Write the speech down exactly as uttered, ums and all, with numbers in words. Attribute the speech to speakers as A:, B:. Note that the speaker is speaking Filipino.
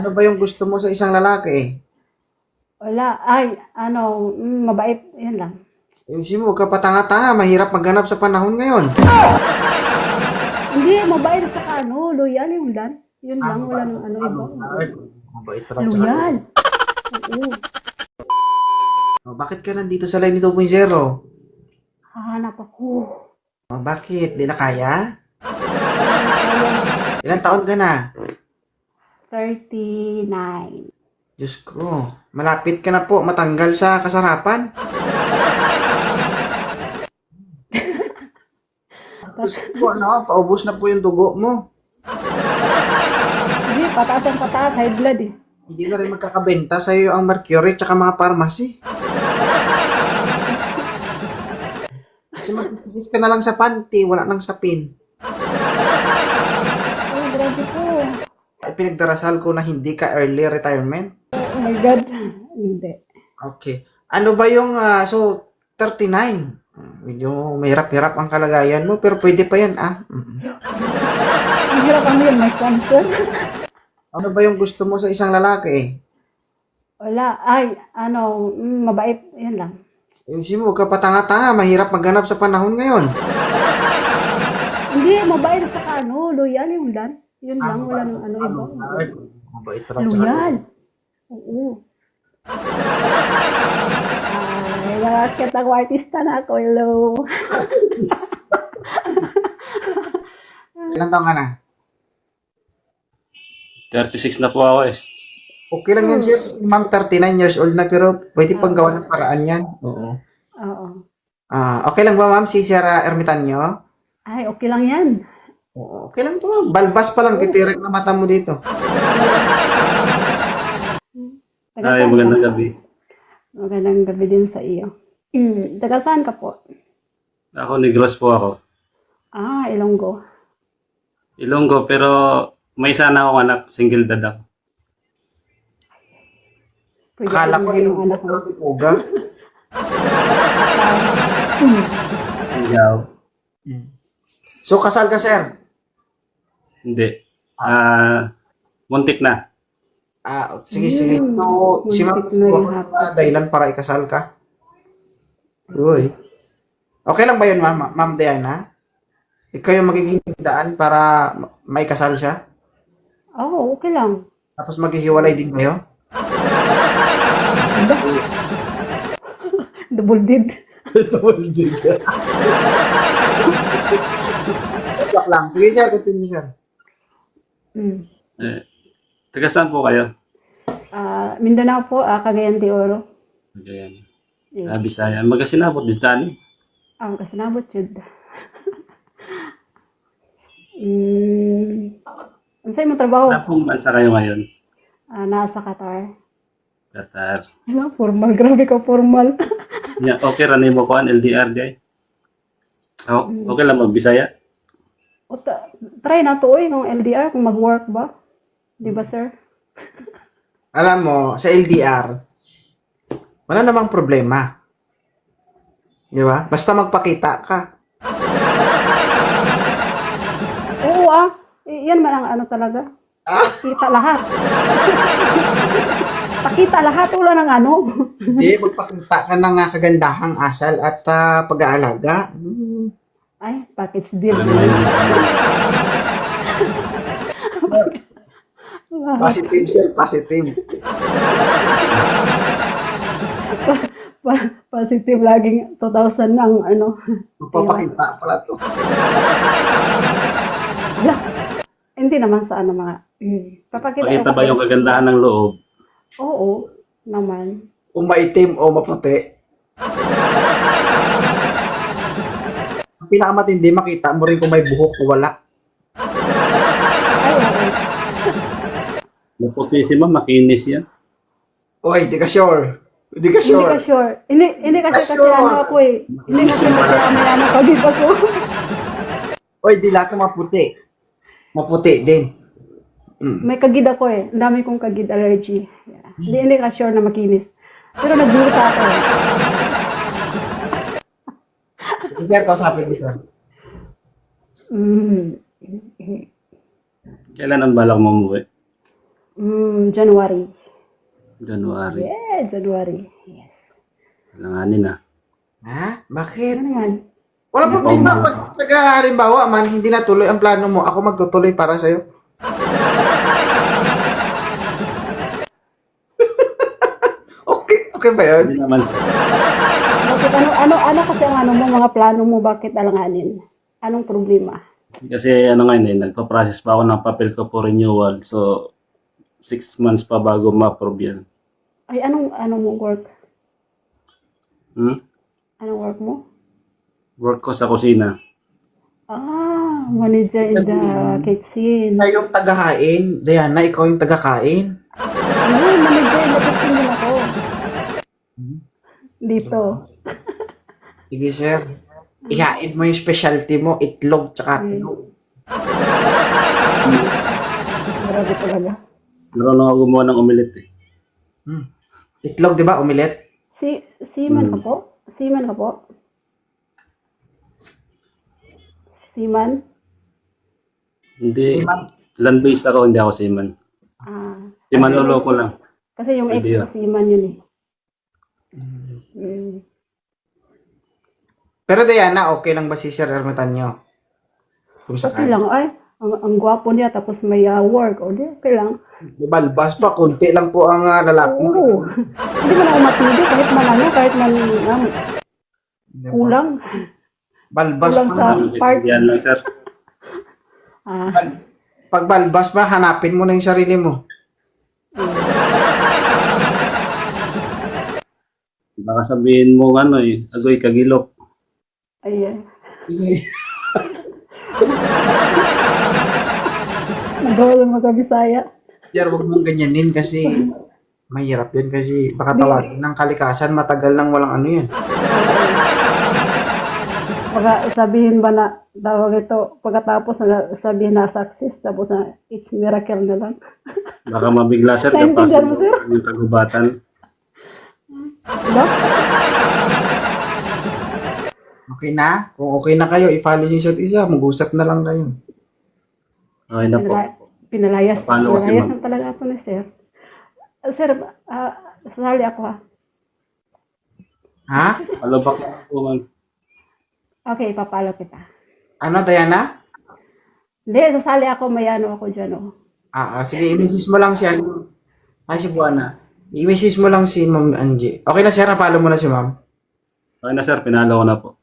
A: Ano ba yung gusto mo sa isang lalaki?
B: Wala. Ay, ano, mm, mabait. Yan lang.
A: Ayusin mo, huwag ka patanga-tanga. Mahirap maghanap sa panahon ngayon.
B: Hindi, mabait at saka ano, loyal yung lan. Yun
A: Ah,
B: lang, wala
A: mabait.
B: nang ano
A: Ah,
B: iba.
A: mabait. Mabait raw. Tsaka,
B: Loyal. Oo.
A: oh, bakit ka nandito sa line two point zero?
B: Hahanap ako.
A: Oh, bakit? Di na kaya?
B: Hindi na kaya.
A: Ilang taon ka na?
B: thirty-nine.
A: Diyos ko, malapit ka na po matanggal sa kasarapan. Diyos ko, ano, paubos na po yung dugo mo.
B: Hindi, pataas ang pataas. High blood eh.
A: Hindi na rin magkakabenta sa'yo ang mercury tsaka mga pharmacy. Kasi mag-fix ka na lang sa panty, wala nang sapin.
B: Oh, grabe po.
A: Ay, pinagdarasal ko na hindi ka early retirement.
B: Oh my God. Hindi.
A: Okay. Ano ba yung, ah, so, thirty-nine? Medyo mahirap-hirap ang kalagayan mo, pero pwede pa yan, ah. Mm.
B: Ang hirap ano yun, may cancer.
A: Ano ba yung gusto mo sa isang lalaki?
B: Wala. Ay, ano, mm, mabait. Yan lang.
A: Ayusin mo, huwag ka patanga-tanga. Mahirap maghanap sa panahon ngayon.
B: Hindi, mabait at saka ano, loyal yung lan. Yun
A: Ah,
B: lang, wala
A: mabait.
B: nang ano
A: Ah,
B: iba.
A: mabait. Mabait raw. Tsaka,
B: Loyal. Oo. Ay, bakit ako artista na ako? Hello.
A: ilang taon ka na?
C: thirty-six na po ako eh.
A: Okay lang yan, sir. Si Ma'am, thirty-nine years old na, pero pwede pang gawa ng paraan yan. Oo.
B: Oo.
A: Ah, okay lang ba, ma'am, si Sierra Ermitanyo?
B: Ay, okay lang yan.
A: Oo, okay lang to, ma'am. Balbas pa lang, titirek na mata mo dito.
B: Taga
C: Ay,
B: saan ka?
C: magandang gabi.
B: Magandang gabi din sa iyo. Mm, taga saan ka po?
C: Ako, Negros po ako.
B: Ah, Ilonggo.
C: Ilonggo, pero may sana akong anak, single dad ako.
B: Pwede
A: Akala
B: alam
A: ko
B: mo yung
A: yung
B: anak mo.
A: Uga.
C: Ikaw?
A: So, kasal ka, sir?
C: Hindi. Ah, muntik na.
A: Ah, sige, sige.
B: Hmm,
A: So, si ma'am,
B: muntik na yung hapon.
A: ah, dahilan para ikasal ka? Uy. Okay lang ba yun, ma'am? Ma'am Diana? Ikaw yung magiging daan para ma- maikasal siya?
B: Oo, okay lang.
A: Tapos maghihiwalay din kayo?
B: Double did.
A: Double dig. Joke lang. Sige, sir. Continue, sir.
B: Mm.
C: Eh, taga saan po kayo?
B: Ah, Mindanao po, ah, Cagayan de Oro.
C: Ayan.
B: Eh,
C: Ah, Bisaya. Magasinabot din tani.
B: ang kasinabot yun. Mm, ano sa'yo mo trabaho?
C: Saan pong bansa kayo ngayon?
B: Ah, nasa Qatar.
C: Qatar.
B: Ano, formal. Grabe ka, formal.
C: Yeah, okay, ranay mo ko ang L D R, guy. Oh, okay lang mag-Bisaya.
B: O, ta- try na to, oy, ng L D R, kung mag-work ba? Di ba, sir?
A: Alam mo, sa L D R, wala namang problema. Di ba? Basta magpakita ka.
B: Oo, ah. I- yan man ang ano talaga. Pakita lahat. Pakita lahat, wala ng ano.
A: Hindi, magpakita ka ng ah, kagandahang asal at ah, pag-aalaga. Hmm.
B: Ay, package deal.
A: Positive, sir. Positive.
B: Pa- positive laging two thousand ang ano.
A: Magpapakita pala to.
B: Ala, hindi naman sa ano mga. Mm. Papakita
C: Pakita ba yung kagandahan ng loob?
B: Oo, naman.
A: Kung maitim o maputi. Ang pinakamatindi, makita mo rin kung may buhok o wala.
B: Ay, oo.
C: Maputi si ma'am, makinis yan.
A: Oy, di ka sure. Di ka
B: Hindi ka
A: sure.
B: sure. Hindi, hindi kasi kasi
A: Sure.
B: ano ako eh. Hindi kasi kasi may ano kagib ako.
A: Oy, di lahat ng maputi. Maputi din. Mm.
B: May kagid ako eh. Ang dami kong kagid allergy. Yeah. Hindi, hindi ka sure na makinis. Pero nagduta ako eh.
A: Sir, kausapin mo siya.
B: Mm.
C: Kailan ang balak mo umuwi?
B: Mm, January.
C: January.
B: Yeah, January. Yes.
C: Langanin na.
A: Ha? Bakit?
B: Ano naman?
A: Wala problema. Pag, pag ah, halimbawa man, hindi natuloy ang plano mo, ako magtutuloy para sa'yo. Okay, okay ba yun?
C: Hindi naman sir.
B: Bakit, ano, ano, ano kasi ang ano mo, mga plano mo, bakit alanganin? Anong problema?
C: Kasi ano ngayon eh, nagpa-process pa ako ng papel ko for renewal. So, six months pa bago ma-approve yan.
B: Ay, anong, anong mo work?
C: Hmm?
B: Anong work mo?
C: Work ko sa kusina.
B: Ah, manager in the kitchen.
A: Ikaw yung tagahain. Diana, ikaw yung tagakain.
B: Ay, manager in the kitchen din ako. Dito.
A: Sige, sir. Ihain mo yung specialty mo, itlog, tsaka tulog.
B: Grabe talaga.
C: Marunong ako gumawa ng omelette eh.
A: Hmm. Itlog, di ba? Omelette?
B: Si, seaman ka
C: Hmm.
B: po? Seaman ka po? Seaman?
C: Hindi, land-based ako, hindi ako seaman.
B: Ah.
C: Si Manolo ko lang.
B: Kasi yung ex
C: Pwede
B: ko seaman yun eh. Mm.
A: Pero Diana, okay lang ba si Sir Ermitanyo? Kung
B: Okay
A: sakali.
B: lang, ay. Ang, ang gwapo niya, tapos may uh, work. O di, okay lang.
A: Balbas pa, konti lang po ang uh, lalaki mo.
B: Oo. Hindi man ako matindi, kahit man ano, kahit man um, kulang.
A: Balbas
B: Kulang
A: pa.
B: sa parts.
C: Yan lang sir.
B: Ah,
A: Pag balbas pa, hanapin mo na yung sarili mo.
C: Baka sabihin mo ano eh, agoy kagilok.
B: ayan. Nagawa lang magkabisaya.
A: Sir, huwag mong ganyanin kasi mahirap yun kasi baka tawagin ng kalikasan, matagal nang walang ano yan.
B: Baka sabihin ba na, tawag ito, pagkatapos na sabihin na success, tapos na it's miracle na lang.
C: Baka mabigla sir
B: Naintindihan mo,
C: kapag
B: sir?
C: yung kagubatan.
B: Diba?
A: Okay na? Kung okay na kayo, i-follow niyo isa't isa, mag-usap na lang kayo.
C: Okay na po.
B: Pinala- pinalayas.
C: Paano kasi,
B: Pinalayas
C: ma'am?
B: na talaga ako na, sir. Uh, sir, ah, sasali ako ha.
A: Ha?
C: Alabak na po man.
B: Okay, papalo kita.
A: Ano, Diana?
B: Hindi, sasali ako, may ano ako dyan, oh.
A: Ah, ah, sige, i-message mo lang si ano. Ay, si Buana. I-message mo lang si Ma'am Angie. Okay na, sir, napalo mo na si Ma'am.
C: Okay na sir, pinalo ko na po.